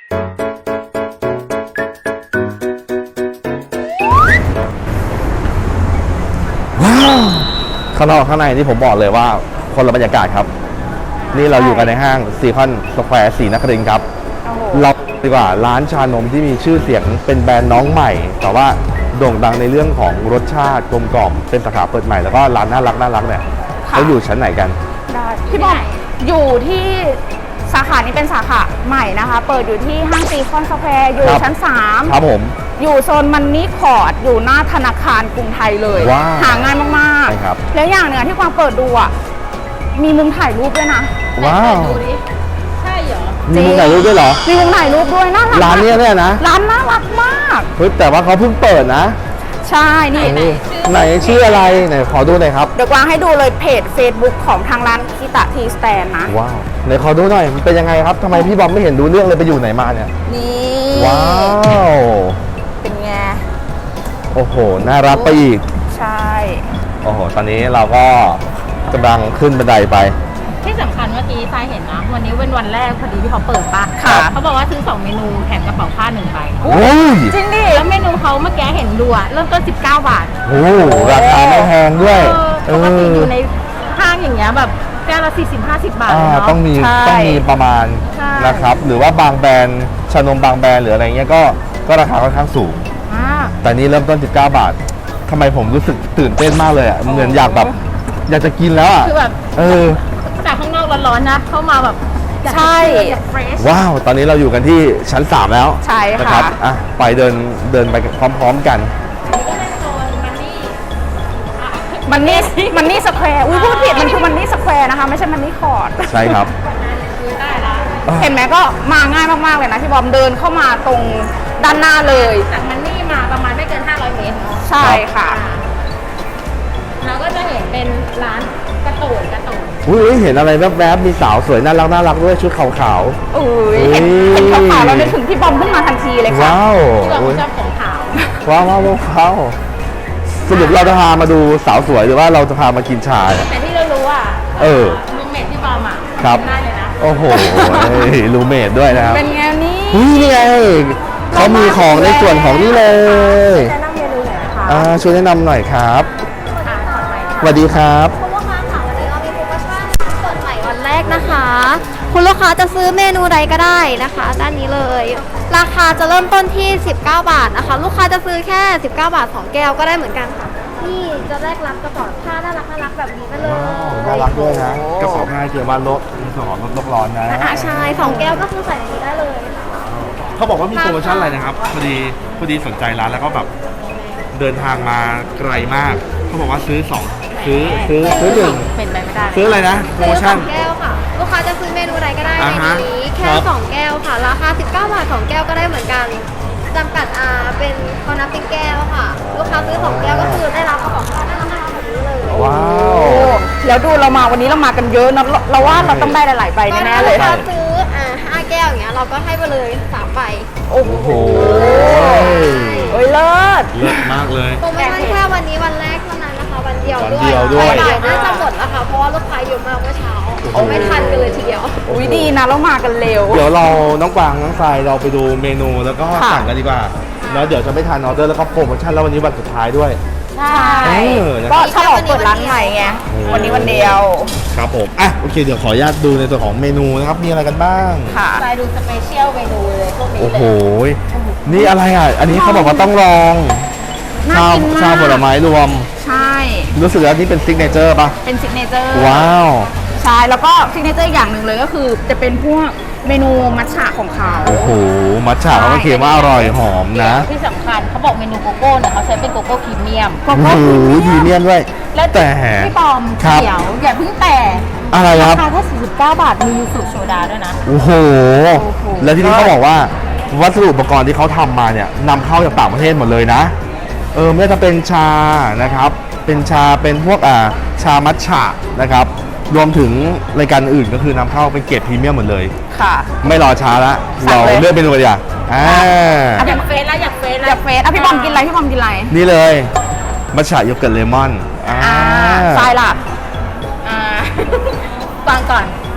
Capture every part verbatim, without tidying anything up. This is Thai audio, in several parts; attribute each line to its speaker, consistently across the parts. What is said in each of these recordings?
Speaker 1: ว้าวข้างนอกข้างในนี่ผมบอกเลยว่าคนละบรรยากาศครับนี่เราอยู่กันในห้างซีคอนสแควร์ศรีนครินทร์ครับเราดีกว่าร้านชานมที่มีชื่อเสียงเป็นแบรนด์น้องใหม่แต่ว่าโด่งดังในเรื่องของรสชาติกลมกล่อมเป็นสาขาเปิดใหม่แล้วก็ร้านน่ารักน่ารักเนี่ยเขาอยู่ชั้นไหนกัน
Speaker 2: ได้พี่บอมอยู่ที่สาขานี้เป็นสาขาใหม่นะคะเปิดอยู่ที่ห้างซีคอนสแควร์อยู่ชั้นสาม
Speaker 1: ครับผม
Speaker 2: อยู่โซนมันนี่คอร์ดอยู่หน้าธนาคารกรุงไทยเลยหาง่ายมากๆแล้วอย่างหนึ่งที่ความเปิดดูอ่ะมีมุมถ่ายรูปด้วยนะ
Speaker 1: ว้าว
Speaker 3: ดูดิใช่เหรอ
Speaker 1: มีมุมถ่ายรูปด้วยเหรอ
Speaker 2: มีมุมถ่ายรูปด้วยน่ารัก
Speaker 1: ร้านนี้เนี่ยนะ
Speaker 2: ร้านน่ารักมาก
Speaker 1: เฮ้ยแต่ว่าเขาเพิ่งเปิดนะ
Speaker 2: ใช่นี่
Speaker 1: ไหนชื่ออะไรไหนขอดูหน่อยครับ
Speaker 2: เดี๋ยวกวางให้ดูเลยเพจ Facebook ของทางร้านคิตะทีสแตนนะ
Speaker 1: ว้าวไหนขอดูหน่อยมันเป็นยังไงครับทำไมพี่บอมไม่เห็นดูเรื่องเลยไปอยู่ไหนมาเนี่ย
Speaker 2: นี่
Speaker 1: ว้าว
Speaker 2: เป็นไง
Speaker 1: โอ้โหน่ารักไปอีก
Speaker 2: ใช่
Speaker 1: โอ้โหตอนนี้เราก็กำลังขึ้นบันไดไป
Speaker 3: ที่สำคัญเมื่อกี้ทรายเห็นนะวันนี้เป็นวันแรกพอดีที่เขาเปิดปะ
Speaker 2: ค่ะ
Speaker 3: เขาบอกว่าซื้อสองเมนูแถมกระเป๋าผ้าหนึ่งใบ
Speaker 1: โอ้ย
Speaker 2: จริงดิ
Speaker 3: แล้วเมนูเขาเมื่อกี้เห็นดูอะเริ่มต้นสิบเก้าบาท
Speaker 1: โอ้ราคาไม่แพงด้วย
Speaker 3: ปกติอยู่ในห้างอย่างเงี้ยแบบแก้วละสี่สิบห้าสิบบาทเนาะ
Speaker 1: ต้องมีต้องมีประมาณนะครับหรือว่าบางแบรนด์ชานมบางแบรนด์หรืออะไรเงี้ยก็ก็ราคาค่อนข้างสูงแต่นี้เริ่มต้นสิบเก้าบาททำไมผมรู้สึกตื่นเต้นมากเลยอ่ะเหมือนอยากแบบอยากจะกินแล้วอ่ะ
Speaker 3: คือแบบ
Speaker 1: เออ
Speaker 3: จากข้างนอกร้อนๆนะเข้ามาแบบ
Speaker 2: ใช่
Speaker 1: ว้าวตอนนี้เราอยู่กันที่ชั้นสามแล้ว
Speaker 2: ใช่ค่ะ
Speaker 1: นะครับอ่ะไปเดินเดินไปพร้อมๆกัน
Speaker 2: มันนี่มันนี่สแควร์อุ้ยพูดผิดมันคือมันนี่สแควร์นะคะไม่ใช่มันนี่คอร์ด
Speaker 1: ใช่ครับ
Speaker 2: เห็นไหมก็มาง่ายมากๆเลยนะพี่บอมเดินเข้ามาตรงด้านหน้าเลย
Speaker 3: จากมันนี่มาประมาณไม่เกินห้าร้อยเมตร
Speaker 2: ใช่ค่ะ
Speaker 3: เราก็จะเห็นเป็นร้านกระตูนกระตูน
Speaker 1: อุ้ยเห็นอะไรแวบๆมีสาวสวยน่ารักน่ารักด้วยชุดขาว
Speaker 2: ๆอุ้ยเห็นเห็นขาวๆเรานึกถึงพี่บอมขึ้นมาทันทีเลยค่ะ
Speaker 1: ว้าว
Speaker 3: ที่เราชอบของขาว
Speaker 1: ว้าวว้าวว้าวสรุปเราจะพามาดูสาวสวยหรือว่าเราจะพามากินชา
Speaker 3: แต่ที่เรารู้อ่ะ
Speaker 1: เออ
Speaker 3: รูเมทที่บอมอ่ะ
Speaker 1: ครับ
Speaker 3: ได้เลยนะ
Speaker 1: โอ้โหรูเมทด้วยนะครับ
Speaker 2: เป็นไงนี่
Speaker 1: นี่ไงเขามีของในส่วนของนี่เลย
Speaker 2: แนะนำเมนูหน่อยค่ะ
Speaker 1: อ่าช่วยแนะนำหน่อยครับสวัสดีครับ
Speaker 4: คุณลูกค้าค่ะวันนี้เรามีโปรโมชั่นเปิดใหม่วันแรกนะคะคุณลูกค้าจะซื้อเมนูใดก็ได้นะคะด้านนี้เลยราคาจะเริ่มต้นที่สิบเก้าบาทนะคะลูกค้าจะซื้อแค่สิบเก้าบาทสองแก้วก็ได้เหมือนกันค่ะนี่จะแลกรับกระเป๋าผ้าน่ารักน่ารักแบบนี้มาเลย
Speaker 1: น่ารักด้วยนะกระเป๋าผ้าเกี่ยวกับลดสองลดโลกร้อนนะ
Speaker 4: อ่าใช่สองแก้วก็คือใส่ในนี้ได้เลย
Speaker 1: เขาบอกว่ามีโปรโมชั่นอะไรนะครับพอดีพอดีสนใจร้านแล้วก็แบบเดินทางมาไกลมากเขาบอกว่าซื้อสองซื้อซื้อซื้อหนึ่ง
Speaker 3: เป็นไปไม่ได้
Speaker 1: ซื้ออะไรนะโปรโมชั่น
Speaker 4: สองแก้วค่ะลูกค้าจะซื้อเมนูใดก็ได้ในนี้แค่สองแก้วค่ะราคาสิบเก้าบาทสองแก้วก็ได้เหมือนกันจำกัดอ่าเป็นเขานับเป็นแก้วค่ะลูกค้าซื้อสองแก้วก็คือได้รับกระเป๋าผ้าได้รับแบบนี้เลย
Speaker 1: ว้าว
Speaker 2: แล้วดูเรามาวันนี้เรามากันเยอะนะเราว่าเราต้องได้หลายๆใบแน่ๆเลย
Speaker 4: ถ้าซื้ออ่าห้าแก้วอย่างเงี้ยเราก็ให้ไปเลยสามใบ
Speaker 2: โอ้โหโอ้ยเลิศ
Speaker 1: เลิศมากเลย
Speaker 4: โปรโมชั่นแค่วันนี้วันแรกเท่านั้นนะคะวันเดียว
Speaker 1: ด้วย
Speaker 4: บ่ายน่าจะหมดแล้วค่ะเพราะว่าลูกค้าเยอะมากเมื่อเช้าเอาไม่ทันกันเลยทีเดียว
Speaker 2: อุ้ยดีนะเรามากันเร็ว
Speaker 1: เดี๋ยวเราน้องกวางน้องทรายเราไปดูเมนูแล้วก็สั่งกันดีกว่าแล้วเดี๋ยวจะไม่ทานออเดอร์แล้วก็โปรโมชั่นแล้ววันนี้วันสุดท้ายด้วย
Speaker 2: ใช่ก็ฉลองเปิดร้านใหม่ไงวันนี้วันเดียว
Speaker 1: ครับผมอ่ะโอเคเดี๋ยวขออนุญาตดูในส่วนของเมนูนะครับมีอะไรกันบ้าง
Speaker 2: ค่ะ
Speaker 3: ไปดูสเปเชียลเมนูเลยพวกนี้เลย
Speaker 1: โอ้โหนี่อะไรอ่ะอันนี้เขาบอกว่าต้องลองชาชาผลไม้รวม
Speaker 2: ใช่
Speaker 1: รู้สึกว่านี่เป็นซิกเนเจอร์ป่ะ
Speaker 2: เป็นซิกเนเจอร์
Speaker 1: ว้าว
Speaker 2: ใช่แล้วก็ซิกเนเจอร์อย่างหนึ่งเลยก็คือจะเป็นพวกเมนูมัทฉะของเขา
Speaker 1: โอ้โหมัทฉะเขาก็เขียนว่าอร่อยหอมนะ
Speaker 3: ที่สำคัญเขาบอกเมนูโกโก้เนี่ยเขาใช้เป็นโกโก้พรีเมียม
Speaker 1: โอ้โหพรีเมียมด้วย
Speaker 3: แต่พี่ปอมเดี๋ยวอย่าเพิ่งแต่
Speaker 1: อะไรครับ
Speaker 3: ราคาแค่สี่สิบเก้าบาทมียูสุโซดาด้วยนะ
Speaker 1: โอ้โหแล้วที่นี่เขาบอกว่าวัสดุอุปกรณ์ที่เขาทำมาเนี่ยนำเข้าจากต่างประเทศหมดเลยนะเออไม่ว่าจะเป็นชานะครับเป็นชาเป็นพวกอ่าชามัทฉะนะครับรวมถึงรายการอื่นก็คือนำเข้าเป็นเกรดพรีเมียมหมดเลย
Speaker 2: ค่ะ
Speaker 1: ไม่รอช้าละเราเลือกเมนูกันอย่างอ่า
Speaker 3: อยากเฟสแล้วอยากเฟสแล้ว
Speaker 2: อยากเฟสอ่ะพี่บอมกินอะไรพี่บอมกินอะไร
Speaker 1: นี่เลยมัทฉะโยเกิร์ตเลมอน
Speaker 2: อ่าทรายล่ะ
Speaker 3: อ่าฟังก่อน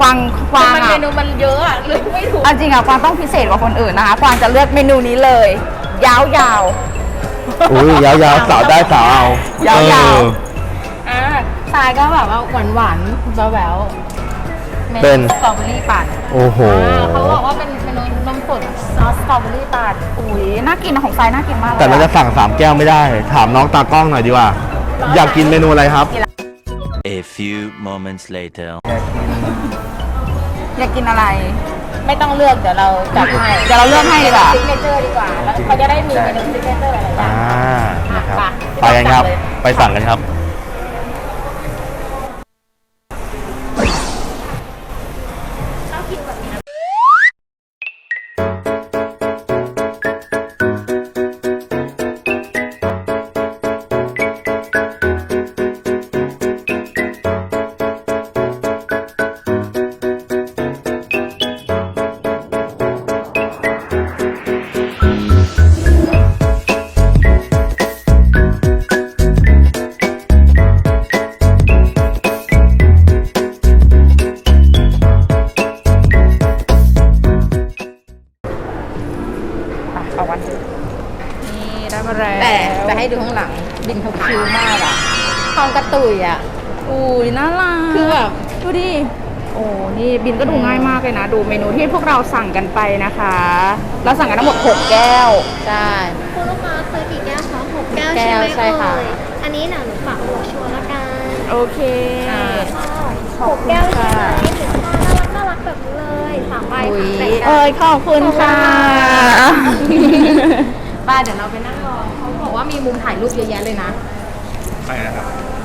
Speaker 2: กวางกวาง
Speaker 3: มัน
Speaker 2: อะ
Speaker 3: เมนูมันเยอะอะเลยไม่ถูก
Speaker 2: อันจริงอะกวางต้องพิเศษกว่าคนอื่นนะคะกวางจะเลือกเมนูนี้เลย ยาว
Speaker 1: อุ้ยยาวๆสาวได้สาวเอา
Speaker 2: ยาวๆ
Speaker 1: เออ
Speaker 3: อ่าทรายก็แบบว่าหวานหวานๆแบ๊วๆ
Speaker 1: เป็น
Speaker 3: สตรอเบอรี่ปั่น
Speaker 1: โอ้โห
Speaker 3: อ่าเขาบอกว่าเป็นเมนูนมสดซอสสตรอเบอรี่ปั่น
Speaker 2: ๆอุ้ยน่ากินอะของทรายน่ากินมากเลย
Speaker 1: แต่เราจะ
Speaker 2: อะ
Speaker 1: สั่งสามแก้วไม่ได้ ถามน้องตากล้องหน่อยดีกว่า อยากกินเมนูอะไรครับ
Speaker 5: A few moments later.
Speaker 2: อยากกินอะไร
Speaker 3: ไม่ต้องเลือกเดี๋ยวเราจัดให้
Speaker 2: เดี๋ยวเราเลือกให้ดีกว่า
Speaker 3: ซิกเนเจอร์ดีกว่า แล้วเขาจะได้มีเมนูซิกเนเจอร์อะไรบ้า
Speaker 1: อ่าง นะครับ
Speaker 3: ไป
Speaker 1: ไปกันครับ ไปสั่งกันครับ
Speaker 2: เอาวันนี่ได้มาแล้ว
Speaker 3: แต่แต่ให้ดูข้างหลังบินเขาคิวมากอะทองกระตุยอะ
Speaker 2: อุ้ยน่ารัก
Speaker 3: คือแบบ
Speaker 2: ดูดิ โอ้นี่บินก็ดูง่ายมากเลยนะ ดูเมนูที่พวกเราสั่งกันไปนะคะ เราสั่งกันทั้งหมดหกแก้ว
Speaker 3: ใช่
Speaker 4: คุณลูกค้าซื้อกี่แก้วคะหกแก้ว
Speaker 3: แก้
Speaker 4: ใช่
Speaker 3: ว
Speaker 4: ไหม
Speaker 3: ใช่ค่ะ
Speaker 4: เอ่ยอันนี้หนังหนูฝากหัวชัวร์ละกัน
Speaker 2: โอเค
Speaker 3: อ่า
Speaker 2: ขอบ
Speaker 4: หก
Speaker 2: คุณ
Speaker 4: แก้วใช่
Speaker 2: ค่ะ
Speaker 4: ไหมถึงน่ารักน่ารักแบบนี้เลยสามใบ
Speaker 3: อุ๊ย
Speaker 4: แบ่งกัน
Speaker 2: เอ้ยขอบคุณค่ะ
Speaker 3: บ้านเดี๋ยวเราไปนั่งรอเขาบอกว่ามีมุมถ่ายรูปเยอะแยะเลยนะ
Speaker 1: ไปนะครับ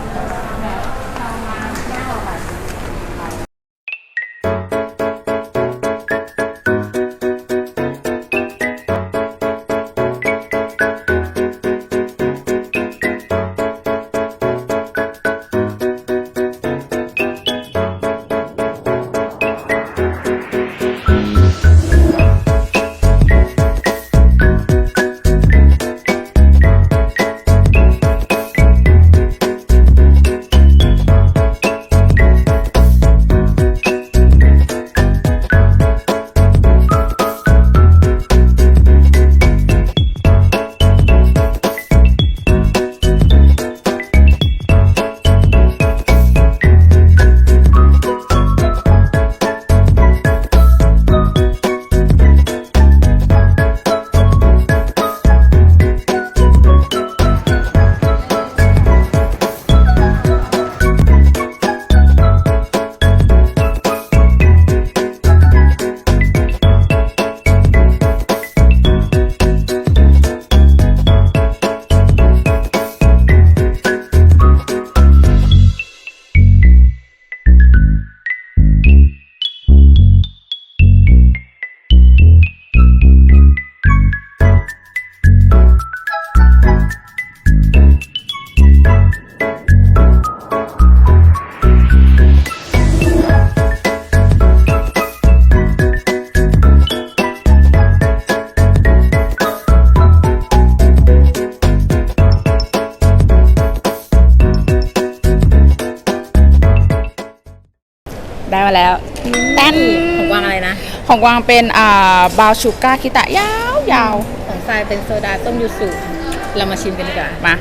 Speaker 2: ได้มาแล้วแป้น
Speaker 3: ของกวางอะไรนะ
Speaker 2: ของกวางเป็นอ่าบราวน์ชูการ์คิตะยาวยาว
Speaker 3: ของทรายเป็นโซดาต้มยูสุเรามาชิมกันดีกว่า
Speaker 2: มา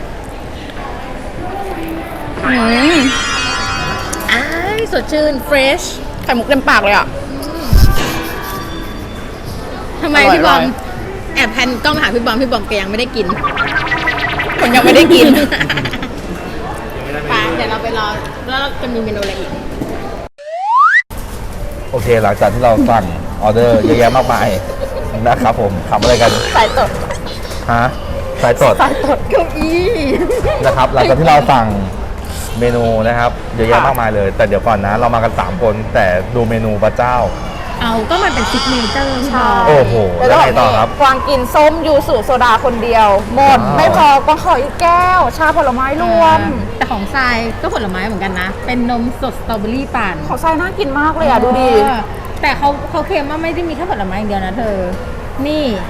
Speaker 2: อืม
Speaker 3: อ้ายสดชื่นเฟรช
Speaker 2: ไข่มุกเต็มปากเลยอ่ะ
Speaker 3: ทำไม
Speaker 2: อร่อย
Speaker 3: พี่บอม
Speaker 2: อร่อย
Speaker 3: แอบแพนกล้องมาหาพี่บอมพี่บอมแกยังไม่ได้กิน
Speaker 2: ผมยังไม่ได้กิน
Speaker 3: ไปเดี๋ยวเราไปรอแล้วเราจะมีเมนูอะไรอีก
Speaker 1: โอเค หลังจากที่เราสั่งออเดอร์เยอะแยะมากมายนะครับผมทำอะไรกัน
Speaker 2: สายตด
Speaker 1: ฮะสายสด
Speaker 2: สายตดเก้าอี้
Speaker 1: นะครับ หลังจากที่เราสั่งเมนูนะครับเยอะแยะมากมายเลย แต่เดี๋ยวก่อนนะ เรามากันสามคนแต่ดูเมนูพระเจ้า
Speaker 3: เอาก็มันเป็นซิกเนเจอร์พี่บอม
Speaker 1: โอ้โห แล้วไงต่อครับ
Speaker 2: กวางกินส้มยูสุโซดาคนเดียว หมด
Speaker 1: ว้าว
Speaker 2: ไม่พอกวางขออีกแก้ว ชาผลไม้รวม
Speaker 3: แต่ของทรายก็ผลไม้เหมือนกันนะ เป็นนมสดสตรอเบอรี่ปั่น
Speaker 2: ของทรายน่ากินมากเลยอ่ะ ดูดิ
Speaker 3: เออแต่เขาเขาเคลมว่าไม่ได้มีแค่ผลไม้อย่างเดียวนะเธอ นี่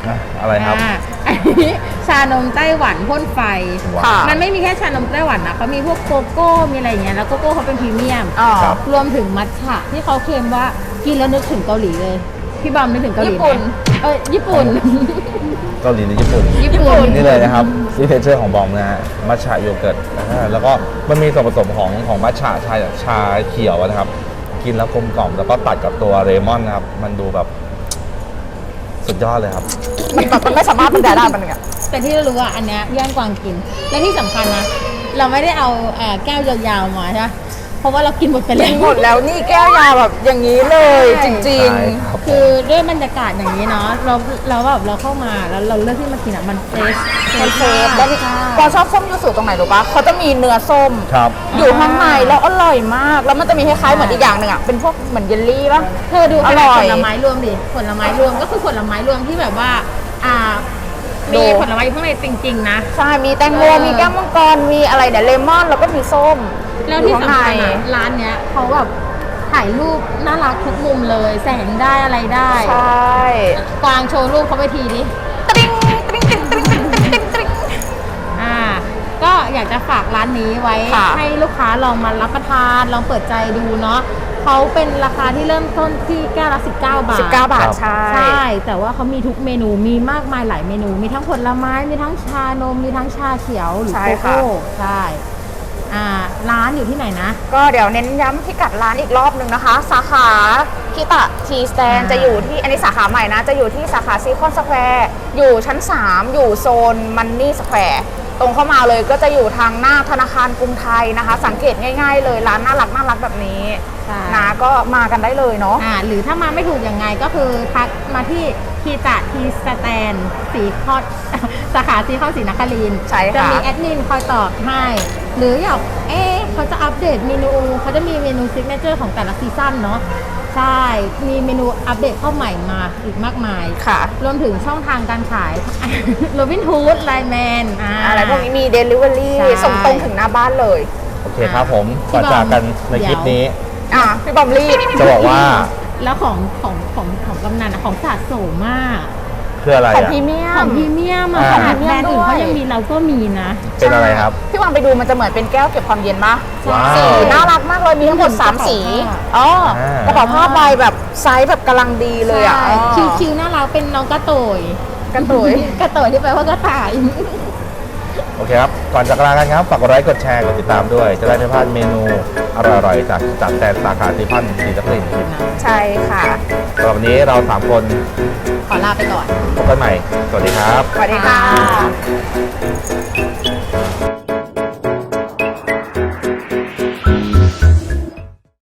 Speaker 1: อ่ะอะไรครับ
Speaker 3: อ่าอันนี้ชานมไต้หวันพ่นไฟ
Speaker 1: ว้าว
Speaker 3: มันไม่มีแค่ชานมไต้หวันนะเขามีพวกโกโก้มีอะไรอย่างเงี้ยแล้วโกโก้เขาเป็นพรีเมียม
Speaker 2: อ๋อ
Speaker 1: ครับ
Speaker 3: รวมถึงมัทฉะที่เขาเคลมว่ากินแล้วนึกถึงเกาหลีเลย พี่บอมนึกถึงเกาหลี
Speaker 2: ญี่
Speaker 3: ไหม
Speaker 2: ปุ่น
Speaker 3: เอ้ยญี่ปุ่น
Speaker 1: เกาหลีหรือญี่ปุ่น
Speaker 3: ญี่ปุ่น
Speaker 1: นี่เลยนะครับซิกเนเจอร์ของบอมนะฮะมัทฉะโยเกิร์ตอ่าแล้วก็มันมีส่วนผสมของของมัทฉะชาชาเขียวนะครับ กินแล้วกลมกล่อมแล้วก็ตัดกับตัวเรมอนนะครับ มันดูแบบสุดยอดเลยครับ
Speaker 2: มันแบบมันไม่สามารถบรรยายได้มันเนี่ย
Speaker 3: แต่ที่เรารู้ว่าอันเนี้ยย่างกวางกิน และที่สำคัญนะ เราไม่ได้เอาเอ่อแก้วยาวๆมาใช่ไหมเพราะว่าเรากินหมดไปแล้
Speaker 2: กิน
Speaker 3: ว
Speaker 2: หมดแล้วนี่แก้วยาแบบอย่างนี้เลยจริง
Speaker 1: ใช่ครับ
Speaker 3: คือด้วยบรรยากาศอย่างนี้เนาะเราเราแบบเราเข้ามาแล้วเราเลือกที่มากินอ่ะมันเฟรช
Speaker 2: ๆมันเฟสแล้วนี่ปอชอบส้มยูสุตรงไหนรู้ปะเขาจะมีเนื้อส้ม
Speaker 1: ครับ
Speaker 2: อยู่ข้างในแล้วอร่อยมาก แล้วมันจะมีคล้ายๆเหมือนอีกอย่างหนึ่งอ่ะเป็นพวกเหมือนเยลลี่ปะ
Speaker 3: เธอดู
Speaker 2: อร่อย
Speaker 3: ผลไม้รวมดิผลไม้รวมก็คือผลไม้รวมที่แบบว่าอ่า
Speaker 2: ดู
Speaker 3: มีผลไม้อยู่ข้างในจริงๆนะ
Speaker 2: ใช่มีแตงโม
Speaker 3: เออ
Speaker 2: มีแก้วมังกรมีอะไรเนี่ยเลมอนแล้วก็มีส้ม
Speaker 3: แล้ว
Speaker 2: อยู่
Speaker 3: ที่
Speaker 2: ข้าง
Speaker 3: สำ
Speaker 2: ใน
Speaker 3: คัญอะร้านเนี้ยเขาแบบถ่ายรูปน่ารักทุกมุมเลย แสงได้อะไรได้
Speaker 2: ใช่
Speaker 3: กวางโชว์รูปเขาไปทีดิ
Speaker 2: ตริ๊งตริ๊งตริ๊งตริ๊งตริ๊งตริ๊งตริ๊งตริ๊ง
Speaker 3: อ่า ก็อยากจะฝากร้านนี้ไว้
Speaker 2: ค่ะ
Speaker 3: ให้ลูกค้าลองมารับประทานลองเปิดใจดูเนาะเขาเป็นราคาที่เริ่มต้นที่แก้วละสิบเก้าบาท
Speaker 2: สิบเก้าบาท
Speaker 1: ครับ
Speaker 2: ใช่
Speaker 3: ใช่ แต่ว่าเขามีทุกเมนู มีมากมายหลายเมนู มีทั้งผลไม้ มีทั้งชานม มีทั้งชาเขียวหรือ
Speaker 2: ใช่
Speaker 3: โก
Speaker 2: ค่ะ
Speaker 3: โก้ ใช่ อ่า ร้านอยู่ที่ไหนนะ
Speaker 2: ก็เดี๋ยวเน้นย้ำพิกัดร้านอีกรอบหนึ่งนะคะ สาขาคิตะทีสแตน
Speaker 3: อ่า
Speaker 2: จะอยู่ที่อันนี้สาขาใหม่นะ จะอยู่ที่สาขาซีคอนสแควร์อยู่ชั้น สาม อยู่โซนมันนี่สแควร์ตรงเข้ามาเลยก็จะอยู่ทางหน้าธนาคารกรุงไทยนะคะ สังเกตง่ายๆเลยร้านน่ารักน่ารักแบบนี้
Speaker 3: ใช่
Speaker 2: นะก็มากันได้เลยเนาะ
Speaker 3: อ่า หรือถ้ามาไม่ถูกยังไงก็คือทักมาที่คีตะทีสแตนสีคอด สาขาสีข้อศรีนครินทร์
Speaker 2: ใช่ค่ะ
Speaker 3: จะมีแอดมินคอยตอบให้ หรืออยากเอ๊ะเขาจะอัปเดตเมนูเขาจะมีเมนูซิกเนเจอร์ของแต่ละซีซั่นเนาะใช่ มีเมนูอัปเดตเข้าใหม่มาอีกมากมาย
Speaker 2: ค่ะ
Speaker 3: รวมถึงช่องทางการขาย โรบินฮูดไลแมน
Speaker 2: อะไรพวกนี้มีเดลิเวอรี่
Speaker 3: ใช่
Speaker 2: ส่งตรงถึงหน้าบ้านเลย
Speaker 1: โอเคครับผมก่อนจากกันในคลิปนี้
Speaker 2: อ่ะพี่บอมรีบ
Speaker 1: จะบอกว่า
Speaker 3: แล้วของของของของกำนันอะของสะสมมาก
Speaker 1: คืออะไร
Speaker 2: ของ
Speaker 1: อ่ะ
Speaker 2: พรีเมีย
Speaker 3: ของ
Speaker 2: ม
Speaker 3: พรีเมียมอะ
Speaker 1: อ่า
Speaker 3: ขนาดแบรนด์อื่นเขายังมีเราก็มีนะ
Speaker 1: เป็นอะไรครับ
Speaker 2: พี่วางไปดูมันจะเหมือนเป็นแก้วเก็บความเย็นปะ
Speaker 1: ว้าว
Speaker 2: สีน่ารักมากเลยมีทั้งหมดสามสีอ๋ออา กระเป๋าผ้าใบแบบไซส์แบบกำลังดีเลยอ่ะ
Speaker 3: ใช่คิวคิวน่ารักเป็นน้องกระโตย
Speaker 2: กระตุย
Speaker 3: กระโตยที่แปลว่ากระต่าย
Speaker 1: โอเคครับ ก่อนจากลากันครับฝากกดไลค์กดแชร์กดติดตามด้วย จะได้ไม่พลาดเมนูอร่อยๆจากจากแต่สาขาซีพันสีนครินทร์
Speaker 2: ใช่ค่ะ
Speaker 1: สำหรับวันนี้เราสามคน
Speaker 3: ขอลาไปก่อน
Speaker 1: พบกันใหม่ สวัสดีครับ
Speaker 2: สวัสดีค่ะ